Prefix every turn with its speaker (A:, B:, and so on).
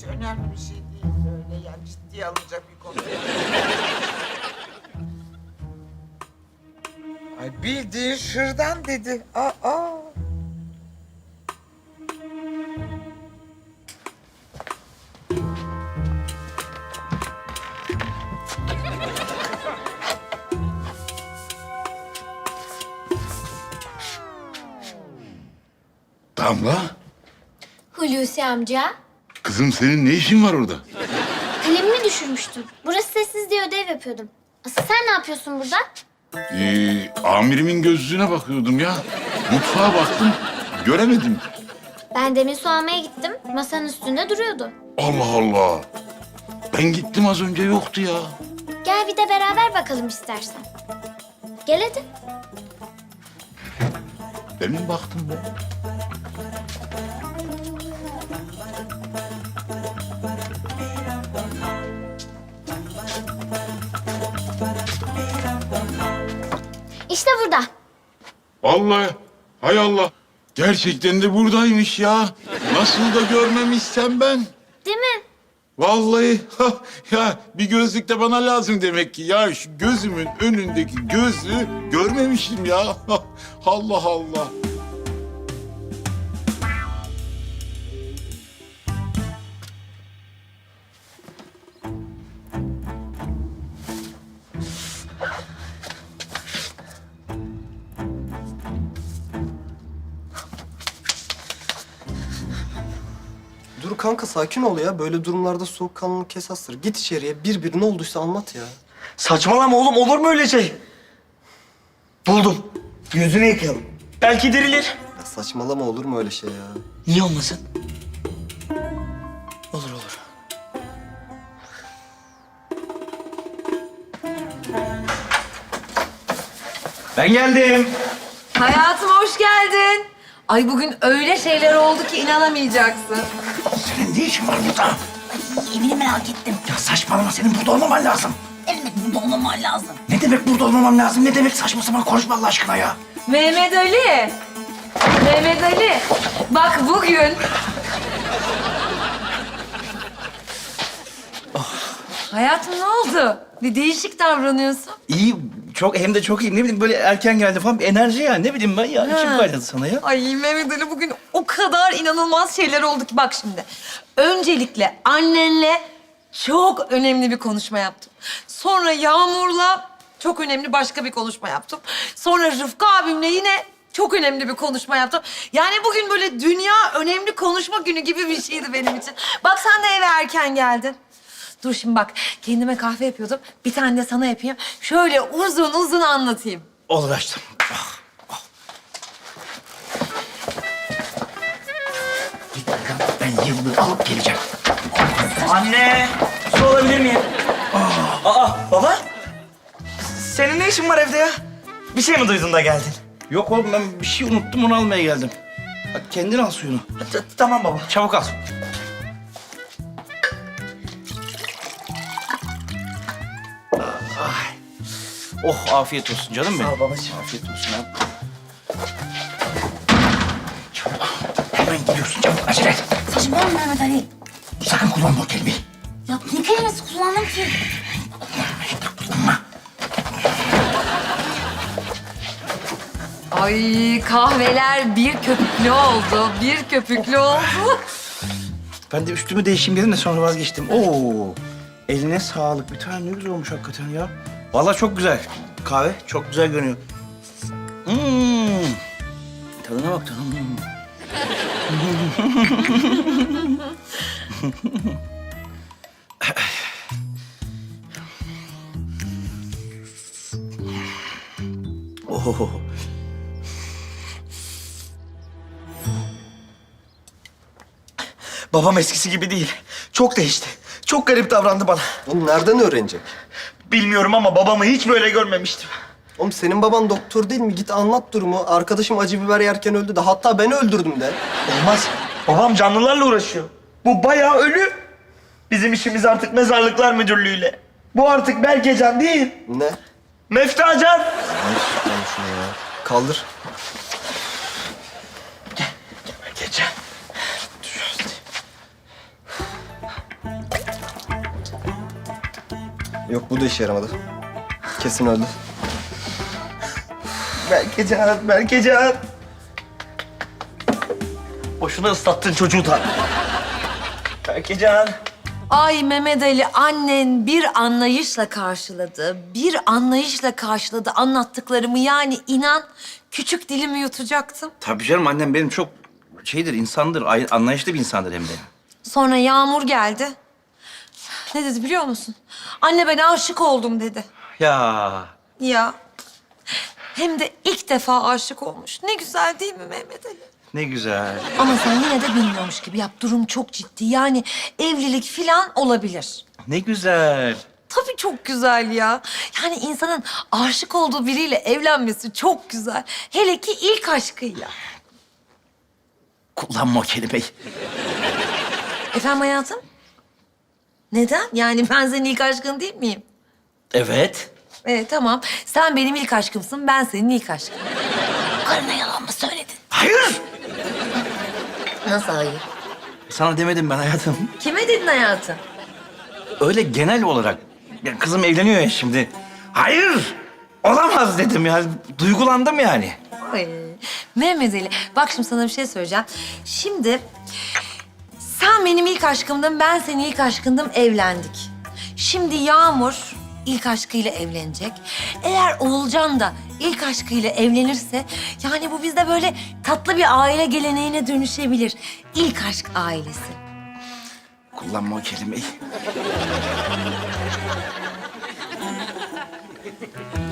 A: hiç önemli bir şey değil. Öyle yani ciddiye alınacak bir konu değil. Ay bildiğin şırdan dedi. Aa.
B: Damla,
C: Hulusi amca,
B: kızım senin ne işin var orada?
C: kalemimi düşürmüştüm. Burası sessiz diye ödev yapıyordum. Asıl sen ne yapıyorsun burada?
B: Amirimin gözlüğüne bakıyordum ya. Mutfağa baktım, göremedim.
C: Ben demin su almaya gittim. Masanın üstünde duruyordu.
B: Allah Allah. Ben gittim az önce yoktu ya.
C: Gel bir de beraber bakalım istersen. Gel hadi.
B: Demin baktım ben.
C: İşte burada.
B: Vallahi, hay Allah. Gerçekten de buradaymış ya. Nasıl da görmemişsem ben.
C: Değil mi?
B: Vallahi ya bir gözlük de bana lazım demek ki. Ya şu gözümün önündeki gözlüğü görmemişim ya. Allah Allah.
D: Dur kanka sakin ol ya. Böyle durumlarda soğukkanlılık esastır. Git içeriye. Bir ne olduysa anlat ya.
E: Saçmalama oğlum, olur mu öyle şey? Buldum. Yüzünü yıkayalım. Belki dirilir.
D: Ya saçmalama olur mu öyle şey ya?
E: Niye olmasın? Olur olur. Ben geldim.
F: Hayatım hoş geldin. Ay bugün öyle şeyler oldu ki inanamayacaksın.
E: Senin ne işin var burada?
G: Evini merak ettim.
E: Ya saçmalama, senin burada olmaman lazım.
G: Evet, burada olmaman lazım.
E: Ne demek burada olmamam lazım? Ne demek saçma sapan konuşma Allah aşkına ya?
F: Mehmet Ali. Mehmet Ali. Bak bugün... Hayatım ne oldu? Bir değişik davranıyorsun.
E: İyi, çok hem de çok iyi. Ne bileyim böyle erken geldi falan bir enerji ya. Ne bileyim ben ya. İçim kaynadı sana ya.
F: Ay Mehmet Ali bugün o kadar inanılmaz şeyler oldu ki bak şimdi. Öncelikle annenle çok önemli bir konuşma yaptım. Sonra Yağmur'la çok önemli başka bir konuşma yaptım. Sonra Rıfkı abimle yine çok önemli bir konuşma yaptım. Yani bugün böyle dünya önemli konuşma günü gibi bir şeydi benim için. Bak sen de eve erken geldin. Dur şimdi bak kendime kahve yapıyordum. Bir tane de sana yapayım. Şöyle uzun uzun anlatayım.
E: Olur açtım. Ah, ah. Git bakalım, ben yıllığı alıp geleceğim. Anne, su alabilir miyim? Aa, baba. Senin ne işin var evde ya? Bir şey mi duydun da geldin? Yok oğlum, ben bir şey unuttum, onu almaya geldim. Bak kendin al suyunu. Tamam baba. Çabuk al. Ay. Oh, afiyet olsun canım benim. Sağ ol babacığım. Afiyet olsun abi. Çabuk. Hemen gidiyorsun, çabuk. Acele et.
G: Saçmalama Mehmet Ali.
E: Sakın kullanma o kelimeyi.
G: Ya ne kelimesi kullandım ki?
E: Kullanma.
F: Ay kahveler bir köpüklü oldu. Bir köpüklü oldu.
E: Ben de üstümü değişeyim dedim de sonra vazgeçtim. Oo, eline sağlık. Bir tane ne güzel olmuş hakikaten ya. Vallahi çok güzel. Kahve çok güzel görünüyor. Tadına bak tadına. Oh. Babam eskisi gibi değil. Çok değişti. Çok garip davrandı bana.
D: Oğlum nereden öğrenecek?
E: Bilmiyorum ama babamı hiç böyle görmemiştim.
D: Oğlum senin baban doktor değil mi? Git anlat durumu. Arkadaşım acı biber yerken öldü de. Hatta ben öldürdüm de.
E: Olmaz. Babam canlılarla uğraşıyor. Bu bayağı ölü. Bizim işimiz artık mezarlıklar müdürlüğüyle. Bu artık Berkecan değil.
D: Ne?
E: Meftacan.
D: Lan şunu ya. Kaldır.
E: Berkecan.
D: Yok bu da işe yaramadı. Kesin öldü.
E: Berkecan. Boşuna ıslattın çocuğu da. Berkecan.
F: Ay Mehmet Ali, annen bir anlayışla karşıladı anlattıklarımı. Yani inan küçük dilimi yutacaktım.
H: Tabii canım, annem benim çok insandır, anlayışlı bir insandır hem de.
F: Sonra Yağmur geldi. Ne dedi biliyor musun? Anne ben aşık oldum dedi.
H: Ya
F: Ya hem de ilk defa aşık olmuş. Ne güzel değil mi Mehmet Ali?
H: ne güzel.
F: Ama sen yine de bilmiyormuş gibi yap. Durum çok ciddi. Yani evlilik falan olabilir.
H: Ne güzel.
F: Tabii çok güzel ya. Yani insanın aşık olduğu biriyle evlenmesi çok güzel. Hele ki ilk aşkıyla.
H: Kullanma o kelimeyi.
F: Efendim hayatım? Neden? Yani ben senin ilk aşkın değil miyim?
H: Evet.
F: Tamam. Sen benim ilk aşkımsın, ben senin ilk aşkın.
G: Karına yalan mı söyledin?
H: Hayır.
F: Nasıl hayır?
H: Sana demedim ben hayatım.
F: Kime dedin hayatım?
H: Öyle genel olarak. Ya kızım evleniyor ya şimdi. Hayır. Olamaz dedim ya. Duygulandım yani.
F: Ay, Mehmet Ali, bak şimdi sana bir şey söyleyeceğim. Şimdi sen benim ilk aşkımdın, ben senin ilk aşkındım, evlendik. Şimdi Yağmur ilk aşkıyla evlenecek. Eğer Oğulcan da ilk aşkıyla evlenirse... yani bu bizde böyle tatlı bir aile geleneğine dönüşebilir. İlk aşk ailesi.
H: Kullanma o kelimeyi.